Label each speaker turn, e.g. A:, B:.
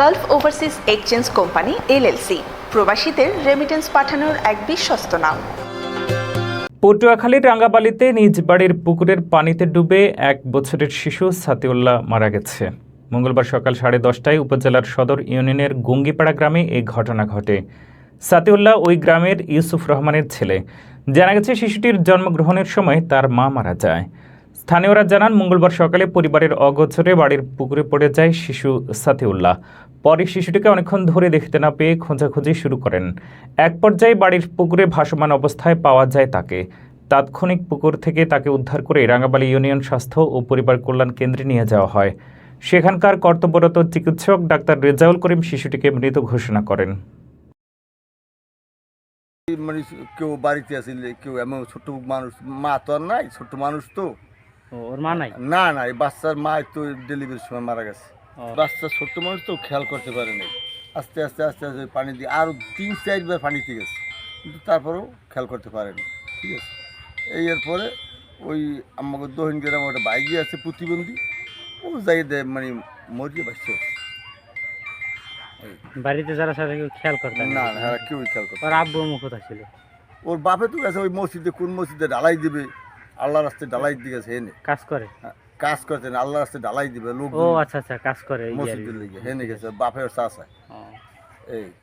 A: Gulf overseas exchange company LLC প্রবাসীদের remittance পাঠানোর এক বিশ্বস্ত নাম।
B: পটুয়াখালীর রাঙ্গাবালিতে নিজ বাড়ির পুকুরের পানিতে ডুবে 1 বছরের শিশু সাতিউল্লাহ মারা গেছে। মঙ্গলবার সকাল 10:30টায় উপজেলার সদর ইউনিয়নের গুঙ্গিপাড়া গ্রামে এই ঘটনা ঘটে। সাতিউল্লাহ ওই গ্রামের ইউসুফ রহমানের ছেলে। জানা গেছে শিশুটির জন্মগ্রহণের সময় তার মা মারা যায়। স্থানীয়রা জানান, মঙ্গলবার সকালে পরিবারের অগোচরে বাড়ির পুকুরে পড়ে যায় শিশু সাতিউল্লাহ। পরে শিশুটিকে অনেকক্ষণ ধরে দেখতে না পেয়ে খোঁজাখুঁজি শুরু করেন। এক পর্যায়ে বাড়ির পুকুরে ভাসমান অবস্থায় পাওয়া যায় তাকে। তাৎক্ষণিক পুকুর থেকে তাকে উদ্ধার করে রাঙ্গাবালী ইউনিয়ন স্বাস্থ্য ও পরিবার কল্যাণ কেন্দ্রে নিয়ে যাওয়া হয়। সেখানকার কর্তব্যরত চিকিৎসক ডাক্তার রেজাউল করিম শিশুটিকে মৃত ঘোষণা করেন।
C: মানে কেউ বাড়িতে আসলে কেউ এমন ছোট মানুষ, মা তো আর নাই, ছোট মানুষ তো।
D: ওর মা নাই?
C: না না, এই বাচ্চার মা তো ডেলিভারির সময় মারা গেছে। বাচ্চা ছোট্ট মানুষ তো খেয়াল করতে পারে নাই। আস্তে আস্তে আস্তে আস্তে পানি দিয়ে আরও 3-4 বার পানিতে গেছে, কিন্তু তারপরেও খেয়াল করতে পারেনি। ঠিক আছে, এরপরে ওই আমাকে দহিন গ্রামে একটা বাইকে আছে প্রতিবন্ধী, ও যাই দেয় মানে মরিয়ে বাচ্চা।
D: বাড়িতে যারা সাথে কেউ খেয়াল করতে
C: না না, কেউই খেয়াল করতে।
D: ওর আব্বু মুখ কোথায় ছিল?
C: ওর বাপে তো গেছে ওই মসজিদে, কোন মসজিদে ঢালাই দিবে, আল্লাহ রাস্তায় ঢালাই দিয়ে গেছে। হেনে
D: কাজ করে?
C: কাজ করতে না, আল্লাহ রাস্তায় ঢালাই দিবে লোক।
D: ও আচ্ছা আচ্ছা, কাজ করে
C: মসজিদের লিগে হেনে গেছে, বাপের চাষা। এই